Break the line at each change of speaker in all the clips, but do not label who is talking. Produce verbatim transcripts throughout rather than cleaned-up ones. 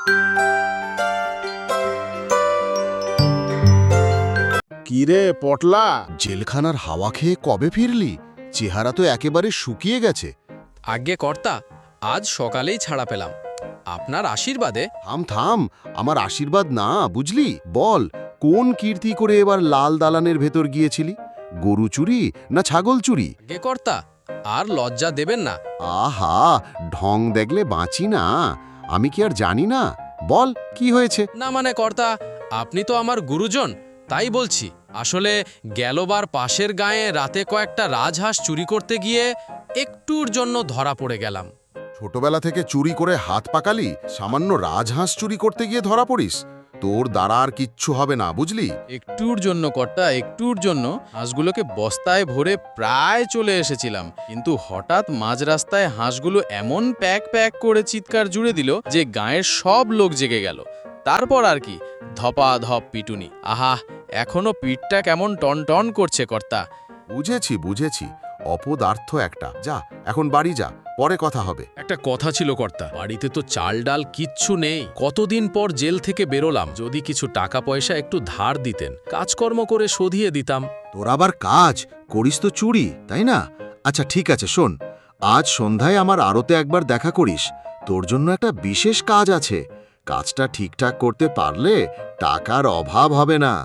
কিরে পটলা, জেলখানার হাওয়া খেয়ে কবে ফিরলি? চেহারা তো একেবারে শুকিয়ে গেছে।
আজ্ঞে কর্তা, আজ সকালেই ছাড়া পেলাম আপনার আশীর্বাদে।
থাম থাম, আমার আশীর্বাদ না, বুঝলি? বল, কোন কীর্তি করে এবার লাল দালানের ভেতর গিয়েছিলি? গরু চুরি না ছাগল চুরি?
আজ্ঞে কর্তা, আর লজ্জা দেবেন না।
আহা, ঢং দেখলে বাঁচি না। আমি কি আর জানি না? বল, কি হয়েছে?
না মানে কর্তা, আপনি তো আমার গুরুজন, তাই বলছি। আসলে গেলবার পাশের গায়ে রাতে কয়েকটা রাজহাঁস চুরি করতে গিয়ে একটুর জন্য ধরা পড়ে গেলাম।
ছোটবেলা থেকে চুরি করে হাত পাকালি, সামান্য রাজহাঁস চুরি করতে গিয়ে ধরা পড়িস? তোর দ্বারা আর কিচ্ছু হবে না, বুঝলি?
একটুর জন্য কর্তা, একটুর জন্য হাঁসগুলোকে বস্তায় ভরে প্রায় চলে এসেছিলাম, কিন্তু হঠাৎ মাঝ রাস্তায় হাঁসগুলো এমন প্যাক প্যাক করে চিৎকার জুড়ে দিল যে গাঁয়ের সব লোক জেগে গেল। তারপর আর কি, ধপা ধপ পিটুনি। আহা, এখনো পিঠটা কেমন টন টন করছে কর্তা।
বুঝেছি বুঝেছি, অপদার্থ একটা। যা, এখন বাড়ি যা, পরে কথা হবে।
একটা কথা ছিল কর্তা, বাড়িতে তো চাল ডাল কিচ্ছু নেই। কতদিন পর জেল থেকে বেরোলাম, যদি কিছু টাকা পয়সা একটু ধার দিতেন, কাজকর্ম করে শোধিয়ে দিতাম।
তোর আবার কাজ করিস তো চুরি, তাই না? আচ্ছা ঠিক আছে, শোন, আজ সন্ধ্যায় আমার আড়তে একবার দেখা করিস। তোর জন্য একটা বিশেষ কাজ আছে। কাজটা ঠিকঠাক করতে পারলে টাকার অভাব হবে না।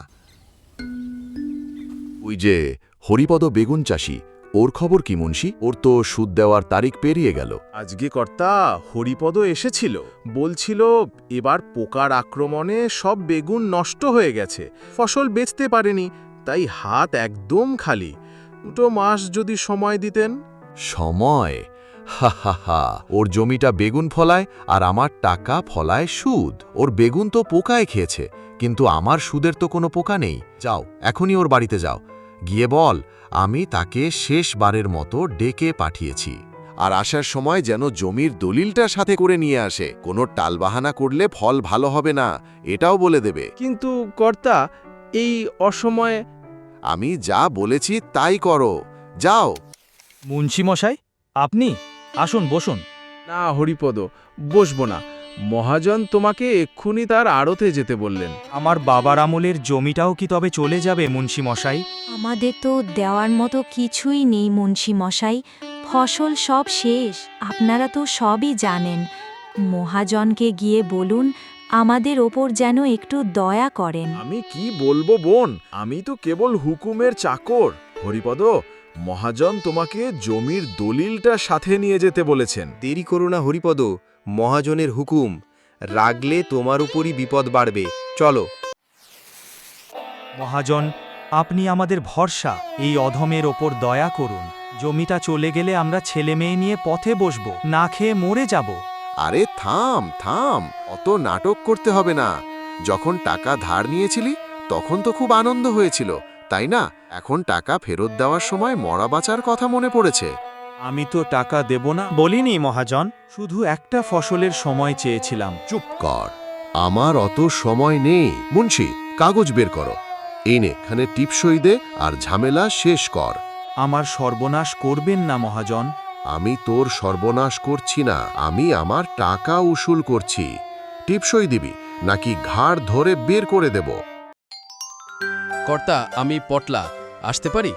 ওই যে হরিপদ বেগুন চাষি, ওর খবর কি মুন্সি? ওর তো সুদ দেওয়ার তারিখ পেরিয়ে গেল।
আজকে কর্তা হরিপদ এসেছিল, বলছিল এবার পোকার আক্রমণে সব বেগুন নষ্ট হয়ে গেছে, ফসল বেচতে পারেনি, তাই হাত একদম খালি। দুটো মাস যদি সময় দিতেন।
সময়? হা হা হা, ওর জমিটা বেগুন ফলায় আর আমার টাকা ফলায় সুদ। ওর বেগুন তো পোকায় খেয়েছে, কিন্তু আমার সুদের তো কোনো পোকা নেই। যাও, এখনই ওর বাড়িতে যাও, গিয়ে বল আমি তাকে শেষবারের মতো ডেকে পাঠিয়েছি।
আর আসার সময় যেন জমির দলিলটা সাথে করে নিয়ে আসে। কোনো টালবাহানা করলে ফল ভালো হবে না, এটাও বলে দেবে।
কিন্তু কর্তা, এই অসময়ে।
আমি যা বলেছি তাই করো, যাও।
মুন্সি মশাই, আপনি আসুন, বসুন।
না হরিপদ, বসবো না। মহাজন তোমাকে এক্ষুনি তার আড়তে যেতে বললেন।
আমার বাবার আমলের জমিটাও কি তবে চলে যাবে মুন্সি মশাই?
আমাদের তো দেওয়ার মতো কিছুই নেই মুন্সি মশাই, ফসল সব শেষ। আপনারা তো সবই জানেন। মহাজনকে গিয়ে বলুন আমাদের ওপর যেন একটু দয়া করেন।
আমি কি বলবো বোন, আমি তো কেবল হুকুমের চাকর। হরিপদ, মহাজন তোমাকে জমির দলিলটা সাথে নিয়ে যেতে বলেছেন।
দেরি করো না হরিপদ, মহাজনের হুকুম। রাগলে তোমার উপরই বিপদ বাড়বে। চলো।
মহাজন, আপনি আমাদের ভরসা, এই অধমের ওপর দয়া করুন। জমিটা চলে গেলে আমরা ছেলে মেয়ে নিয়ে পথে বসব, না খেয়ে মরে যাব।
আরে থাম থাম, অত নাটক করতে হবে না। যখন টাকা ধার নিয়েছিলি তখন তো খুব আনন্দ হয়েছিল, তাই না? এখন টাকা ফেরত দেওয়ার সময় মরা বাঁচার কথা মনে পড়েছে।
আমি তো টাকা দেব না বলিনি মহাজন, শুধু একটা ফসলের সময় চেয়েছিলাম।
চুপ কর, আমার অত সময় নেই। মুন্সি, কাগজ বের করো, এনে এখানে টিপসই দে আর ঝামেলা শেষ কর।
আমার সর্বনাশ করবেন না মহাজন।
আমি তোর সর্বনাশ করছি না, আমি আমার টাকা উসুল করছি। টিপসই দিবি নাকি ঘাড় ধরে বের করে দেব?
কর্তা, আমি পটলা, আসতে পারি?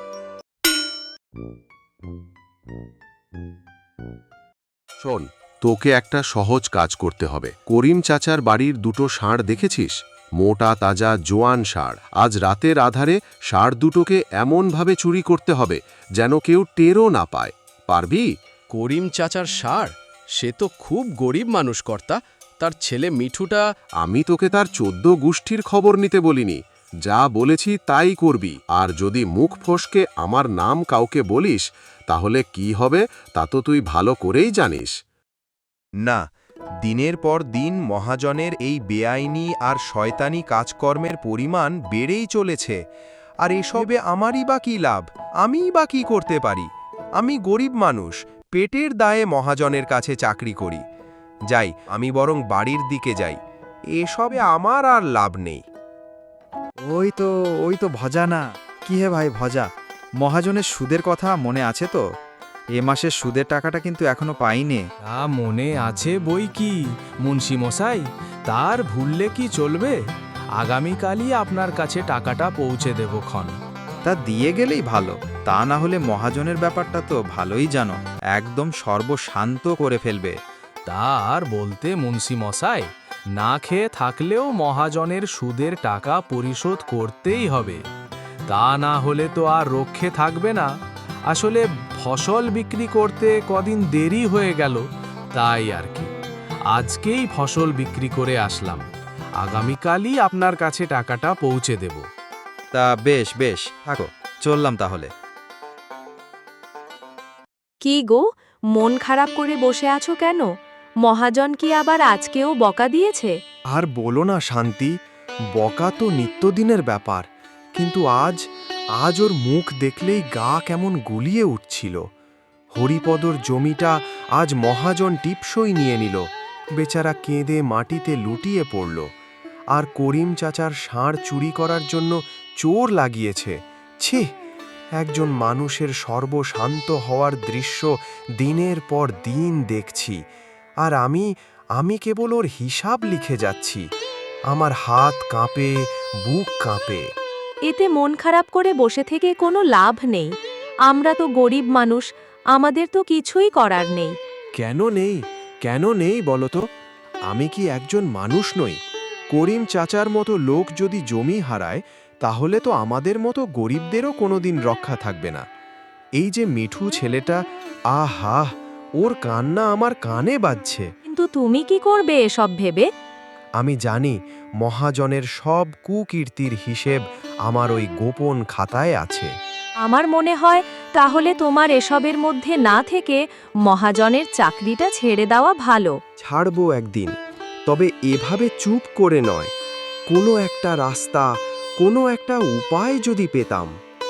শোন, তোকে একটা সহজ কাজ করতে হবে। করিম চাচার বাড়ির দুটো ষাঁড় দেখেছিস? মোটা তাজা জোয়ান ষাঁড়। আজ রাতের আধারে ষাঁড় দুটোকে এমনভাবে চুরি করতে হবে যেন কেউ টেরও না পায়। পারবি?
করিম চাচার ষাঁড়? সে তো খুব গরিব মানুষ কর্তা। তার ছেলে মিঠুটা।
আমি তোকে তার চোদ্দ গোষ্ঠীর খবর নিতে বলিনি। যা বলেছি তাই করবি। আর যদি মুখ ফসকে আমার নাম কাউকে বলিস তাহলে কি হবে তা তো তুই ভালো করেই জানিস।
না, দিনের পর দিন মহাজনের এই বেআইনি আর শয়তানি কাজকর্মের পরিমাণ বেড়েই চলেছে। আর এসবে আমারই বা কী লাভ? আমিই বা কী করতে পারি? আমি গরিব মানুষ, পেটের দায়ে মহাজনের কাছে চাকরি করি। যাই, আমি বরং বাড়ির দিকে যাই। এসবে আমার আর লাভ নেই।
ওই তো ওই তো ভজা না? কি হে ভাই ভজা, মহাজনের সুদের কথা মনে আছে তো? এ মাসের সুদের টাকাটা কিন্তু এখনো পাইনি।
তা মনে আছে বই কি মুন্সি মশাই,
তার ভুললে কি চলবে? আগামীকালই আপনার কাছে টাকাটা পৌঁছে দেব ক্ষণ।
তা দিয়ে গেলেই ভালো, তা না হলে মহাজনের ব্যাপারটা তো ভালোই জানো, একদম সর্বশান্ত করে ফেলবে।
তা আর বলতে মুন্সি মশাই, না খেয়ে থাকলেও মহাজনের সুদের টাকা পরিশোধ করতেই হবে, তা না হলে তো আর রক্ষে থাকবে না। আসলে ফসল বিক্রি করতে কদিন দেরি হয়ে গেল, তাই আর কি। আজকেই ফসল বিক্রি করে আসলাম, আগামীকালই আপনার কাছে টাকাটা পৌঁছে দেব।
তা বেশ বেশ, থাকো, চললাম তাহলে।
কি গো, মন খারাপ করে বসে আছো কেন? মহাজন কি আবার আজকেও বকা দিয়েছে?
আর বলো না শান্তি, বকা তো নিত্যদিনের ব্যাপার, কিন্তু আজ আজ ওর মুখ দেখলেই গা কেমন গুলিয়ে উঠছিল। হরিপদর জমিটা আজ মহাজন টিপসই নিয়ে নিল, বেচারা কেঁদে মাটিতে লুটিয়ে পড়ল। আর করিম চাচার ষাঁড় চুরি করার জন্য চোর লাগিয়েছে। ছি, একজন মানুষের সর্বশান্ত হওয়ার দৃশ্য দিনের পর দিন দেখছি, আর আমি আমি কেবল ওর হিসাব লিখে যাচ্ছি। আমার হাত কাঁপে, বুক কাঁপে।
এতে মন খারাপ করে বসে থেকে কোনো লাভ নেই। আমরা তো গরিব মানুষ, আমাদের তো কিছুই করার নেই।
কেন নেই কেন নেই বলো তো? আমি কি একজন মানুষ নই? করিম চাচার মতো লোক যদি জমি হারায়, তাহলে তো আমাদের মতো গরিবদেরও কোনোদিন রক্ষা থাকবে না। এই যে মিঠু ছেলেটা, আহা, ওর কান্না আমার কানে বাজছে।
কিন্তু তুমি কি করবে এসব ভেবে?
আমি জানি মহাজনের সব কুকীর্তির হিসেব আমার ওই গোপন খাতায় আছে।
আমার মনে হয় তাহলে তোমার এসবের মধ্যে না থেকে মহাজনের চাকরিটা ছেড়ে দেওয়া ভালো।
ছাড়বো একদিন, তবে এভাবে চুপ করে নয়। কোনো একটা রাস্তা, কোনো একটা উপায় যদি পেতাম।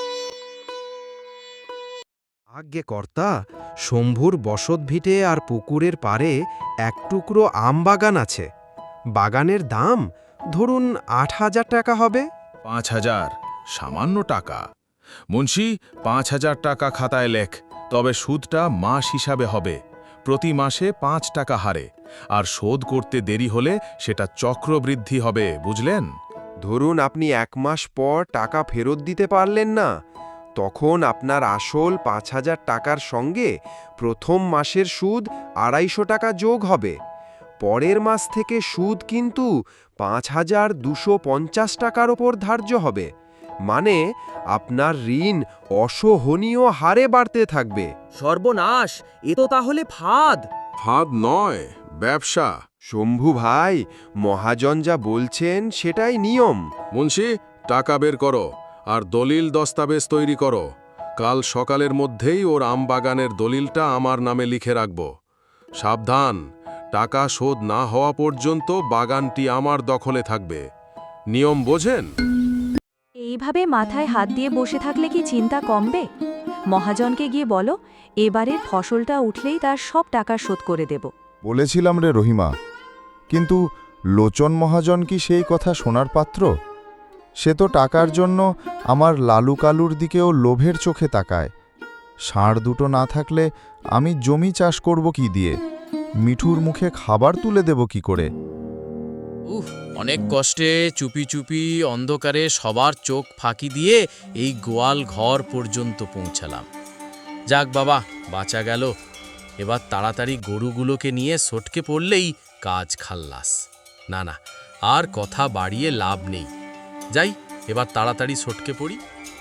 আজ্ঞে কর্তা, শম্ভুর বসত ভিটে আর পুকুরের পারে এক টুকরো আম বাগান আছে। বাগানের দাম ধরুন আট হাজার টাকা হবে।
পাঁচ হাজার? সামান্য টাকা। মুন্সি, পাঁচ হাজার টাকা খাতায় লেখ, তবে সুদটা মাস হিসাবে হবে, প্রতি মাসে পাঁচ টাকা হারে, আর শোধ করতে দেরি হলে সেটা চক্রবৃদ্ধি হবে, বুঝলেন?
ধরুন আপনি এক মাস পর টাকা ফেরত দিতে পারলেন না, তখন আপনার আসল পাঁচ হাজার টাকার সঙ্গে প্রথম মাসের সুদ আড়াইশো টাকা যোগ হবে। পরের মাস থেকে সুদ কিন্তু পাঁচ হাজার দুশো পঞ্চাশ টাকার ওপর ধার্য হবে। মানে আপনার ঋণ অসহনীয় হারে বাড়তে থাকবে।
সর্বনাশ, এ তো তাহলে ফাঁদ।
ফাঁদ নয়, ব্যবসা।
শম্ভু ভাই, মহাজন যা বলছেন সেটাই নিয়ম।
মুন্সি, টাকা বের করো আর দলিল দস্তাবেজ তৈরি করো। কাল সকালের মধ্যেই ওর আম বাগানের দলিলটা আমার নামে লিখে রাখব। সাবধান, টাকা শোধ না হওয়া পর্যন্ত বাগানটি আমার দখলে থাকবে। নিয়ম বোঝেন?
এইভাবে মাথায় হাত দিয়ে বসে থাকলে কি চিন্তা কমবে? মহাজনকে গিয়ে বলো, এবারের ফসলটা উঠলেই তার সব টাকা শোধ করে দেব।
বলেছিলাম রে রহিমা, কিন্তু লোচন মহাজন কি সেই কথা শোনার পাত্র? সে তো টাকার জন্য আমার লালু কালুর দিকেও লোভের চোখে তাকায়। ষাঁড় দুটো না থাকলে আমি জমি চাষ করব কি দিয়ে? মিঠুর মুখে খাবার তুলে দেব কি করে?
উফ, অনেক কষ্টে চুপি চুপি অন্ধকারে সবার চোখ ফাঁকি দিয়ে এই গোয়াল ঘর পর্যন্ত পৌঁছালাম। যাক বাবা, বাঁচা গেল। এবার তাড়াতাড়ি গরুগুলোকে নিয়ে সটকে পড়লেই কাজ খাল্লাস। না না, আর কথা বাড়িয়ে লাভ নেই। যাই, এবার তাড়াতাড়ি সটকে পড়ি।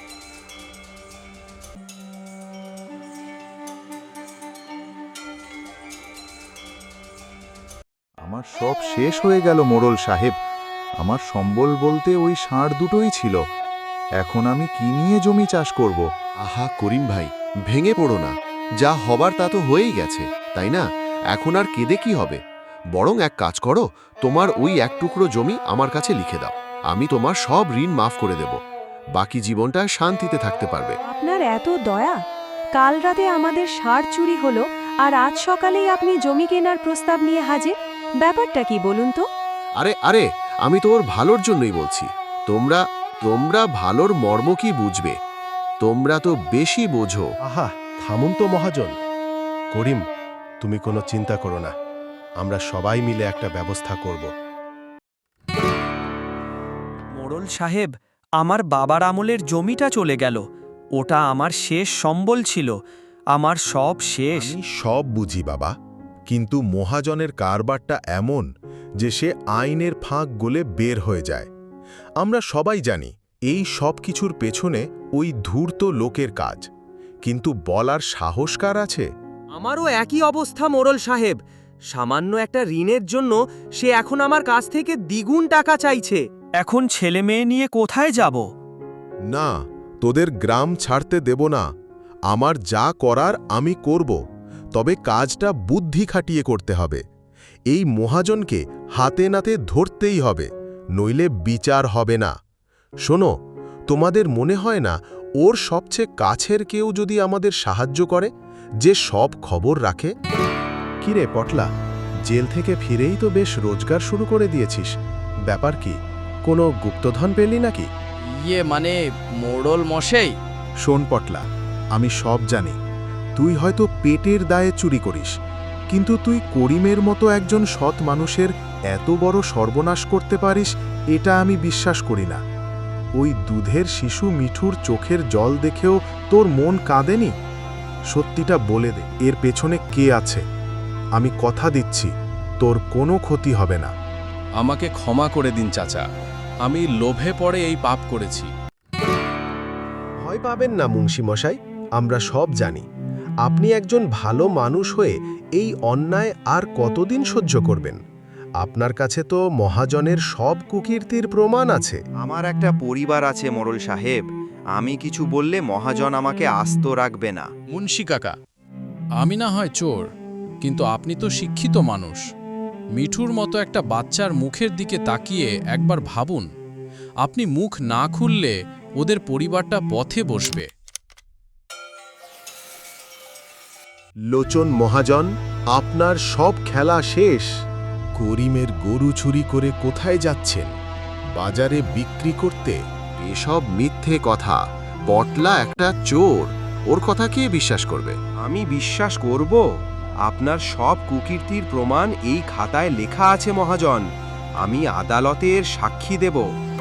আমার সব শেষ হয়ে গেল মোড়ল সাহেব। আমার সম্বল বলতে ওই ষাঁড় দুটোই ছিল। এখন আমি কি নিয়ে জমি চাষ করব?
আহা করিম ভাই, ভেঙে পড়ো না। যা হবার তা তো হয়েই গেছে, তাই না? এখন আর কেঁদে কি হবে? বরং এক কাজ করো, তোমার ওই এক টুকরো জমি আমার কাছে লিখে দাও। আমি তোমার সব ঋণ মাফ করে দেব। বাকি জীবনটা শান্তিতে থাকতে পারবে।
আপনার এত দয়া! কাল রাতে আমাদের ষাঁড় চুরি হলো, আর আজ সকালেই আপনি জমি কেনার প্রস্তাব নিয়ে হাজির। ব্যাপারটা কি বলুন তো?
আরে আরে, আমি তো ওর ভালোর জন্যই বলছি। তোমরা তোমরা ভালোর মর্ম কি বুঝবে? তোমরা তো বেশি বোঝো।
আহা, থামুন তো মহাজন। করিম, তুমি কোনো চিন্তা করো না, আমরা সবাই মিলে একটা ব্যবস্থা করব।
মোড়ল সাহেব, আমার বাবার আমলের জমিটা চলে গেল। ওটা আমার শেষ সম্বল ছিল, আমার সব শেষ।
আমি সব বুঝি বাবা, কিন্তু মহাজনের কারবারটা এমন যে সে আইনের ফাঁক গলে বের হয়ে যায়। আমরা সবাই জানি এই সব কিছুর পেছনে ওই ধূর্ত লোকের কাজ, কিন্তু বলার সাহস কার আছে?
আমারও একই অবস্থা মোড়ল সাহেব। সামান্য একটা ঋণের জন্য সে এখন আমার কাছ থেকে দ্বিগুণ টাকা চাইছে।
এখন ছেলে মেয়ে নিয়ে কোথায় যাব?
না, তোদের গ্রাম ছাড়তে দেব না। আমার যা করার আমি করব, তবে কাজটা বুদ্ধি খাটিয়ে করতে হবে। এই মহাজনকে হাতে নাতে ধরতেই হবে, নইলে বিচার হবে না। শোনো, তোমাদের মনে হয় না ওর সবচেয়ে কাছের কেউ যদি আমাদের সাহায্য করে, যে সব খবর রাখে? কিরে পটলা, জেল থেকে ফিরেই তো বেশ রোজগার শুরু করে দিয়েছিস। ব্যাপার কি, কোনো গুপ্তধন পেলি নাকি?
ইয়ে মানে মোড়ল মশাই।
শোন পটলা, আমি সব জানি। তুই হয়তো পেটের দায়ে চুরি করিস, কিন্তু তুই করিমের মতো একজন সৎ মানুষের এত বড় সর্বনাশ করতে পারিস, এটা আমি বিশ্বাস করি না। ওই দুধের শিশু মিঠুর চোখের জল দেখেও তোর মন কাঁদেনি? সত্যিটা বলে দে, এর পেছনে কে আছে? আমি কথা দিচ্ছি, তোর কোনো ক্ষতি হবে না।
আমাকে ক্ষমা করে দিন চাচা, আমি লোভে পড়ে এই পাপ করেছি।
ভয় পাবেন না মুন্সি মশাই, আমরা সব জানি। আপনি একজন ভালো মানুষ হয়ে এই অন্যায় আর কতদিন সহ্য করবেন? আপনার কাছে তো মহাজনের সব কুকীর্তির প্রমাণ আছে।
আমার একটা পরিবার আছে মোড়ল সাহেব, আমি কিছু বললে মহাজন আমাকে আস্ত রাখবে না।
মুন্সি কাকা, আমি না হয় চোর, কিন্তু আপনি তো শিক্ষিত মানুষ। মিঠুর মতো একটা বাচ্চার মুখের দিকে তাকিয়ে একবার ভাবুন, আপনি মুখ না খুললে ওদের পরিবারটা পথে বসবে।
লোচন মহাজন, আপনার সব খেলা শেষ।
করিমের গরু চুরি করে কোথায় যাচ্ছেন? বাজারে বিক্রি করতে?
এসব মিথ্যে কথা। পটলা একটা চোর, ওর কথা কে বিশ্বাস করবে?
আমি বিশ্বাস করব? আপনার সব কুকীর্তির প্রমাণ এই খাতায় লেখা আছে মহাজন। আমি আদালতের সাক্ষী দেব।